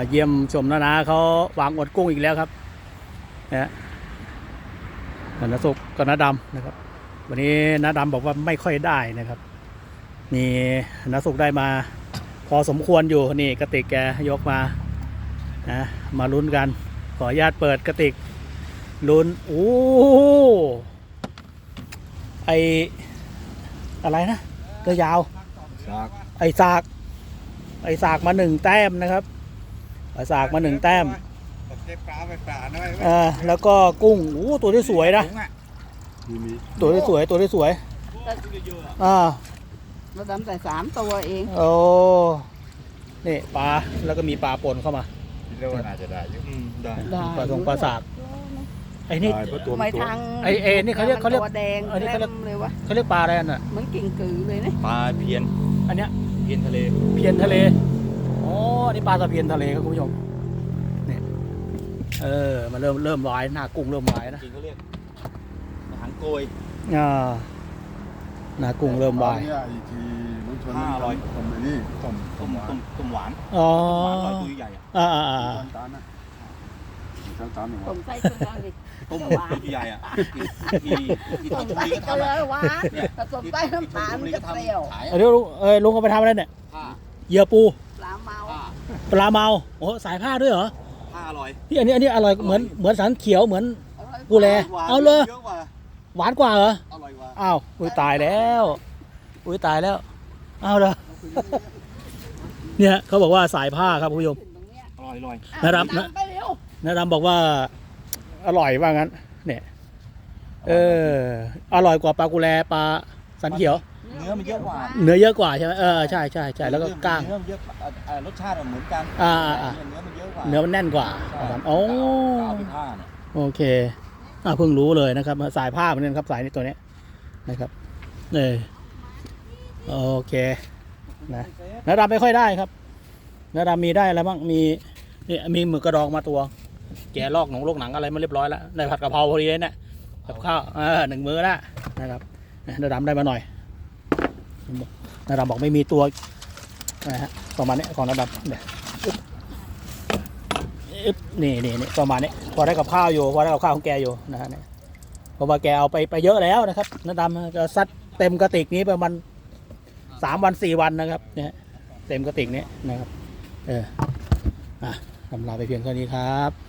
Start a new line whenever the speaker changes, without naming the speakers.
เยี่ยมชมนาเขาวางอดกุ้งอีกแล้วครับนะน้าสุกกับน้าดำนะครับวันนี้น้าดำบอกว่าไม่ค่อยได้นะครับมีน้าสุกได้มาพอสมควรอยู่นี่กระติกแกยกมานะมาลุ้นกันขออนุญาตเปิดกระติกลุ้นโอ้ไออะไรนะตัวยาวไอสากมา1 แต้มนะครับสากมา1 แต้มแล้วก็กุ้งโอ้ตัวที่สวยนะตัวที่สวย
เราดำใส่3 ตัวเอง
โอ้นี่ปลาแล้วก็มีปลาปนเข้ามา
คิดว่าน่าจะได้ยุ่
ได้
ปลาสากไอ้นี่
ไม่ทาง
ไอ้นี่เขาเรียก
แดงอันนี้เขาเรียก
ปลาอะไรน่ะ
เหมือนกิ่งกือเลยนะ
ปลาเพียน
อันเนี้ย
เพียนทะเล
อ๋อนี่ปลาตะเพียนทะเลครับคุณผู้ชมนี่มันเริ่มลอยหน้ากุ้งเริ่มลอยนะ
จริงเขาเรียกหางโกย
หน้ากุ้งเริ่มลอย
500ต้มหวาน
อ๋อ
ตัวใหญ่
ต้มไส้ต้มอะไร
ต้มหวานใหญ่ที่ต้มไส้
ก็เลยหวานต้มไส้น้ำตาลมันจะเปรี้ยว
ลุงเอาไปทำอะไรเนี่ยเหยื่อปู
ปลาเ
มาโอ้สายผ้าด้วยเหรอ
ผ้าอร่อย
ที่อันนี้อร่อยเหมือนสันเขียวเหมือนกูแลเอาเลยหวานกว่าเหรอ
อร่อยกว่า
อ้าวตายแล้วเอาเลยเนี่ยเขาบอกว่าสายผ้าครับคุณผู้ชม
อร่อย
นะดำบอกว่าอร่อยว่างั้นเนี่ยอร่อยกว่าปลากุแลปลาสันเขียว
เนื้อมันเยอะกว่า
ใช่ไหมใช่แล้วก็ก้าง
เนื้อเยอะรสชาติเหมือนกัน
เนื้อมันแน่นกว่าโอ้โอเคเพิ่งรู้เลยนะครับสายผ้าเหมือนกันครับสายนี้ตัวนี้นะครับโอเคนะดำไม่ค่อยได้ครับนะดำมีได้อะไรบ้างมีหมึกกระดองมาตัวแกะลอกหนังอะไรมาเรียบร้อยแล้วได้ผัดกะเพราพอดีเลยเนี่ยกับข้าว1 มื้อแล้วนะครับนะดำได้มาหน่อยนะดำบอกไม่มีตัวนะฮะประมาณนี้ของนะดำเนี่ยนี่ประมาณนี้พอได้กับข้าวอยู่พอได้กับข้าวของแกอยู่นะฮะเนี่ยเพราะว่าแกเอาไปเยอะแล้วนะครับนะดำก็ซัดเต็มกระติกนี้ประมาณ3 วัน 4 วันนะครับเนี่ยเต็มกระติกนี้นะครับทำลาไปเพียงเท่านี้ครับ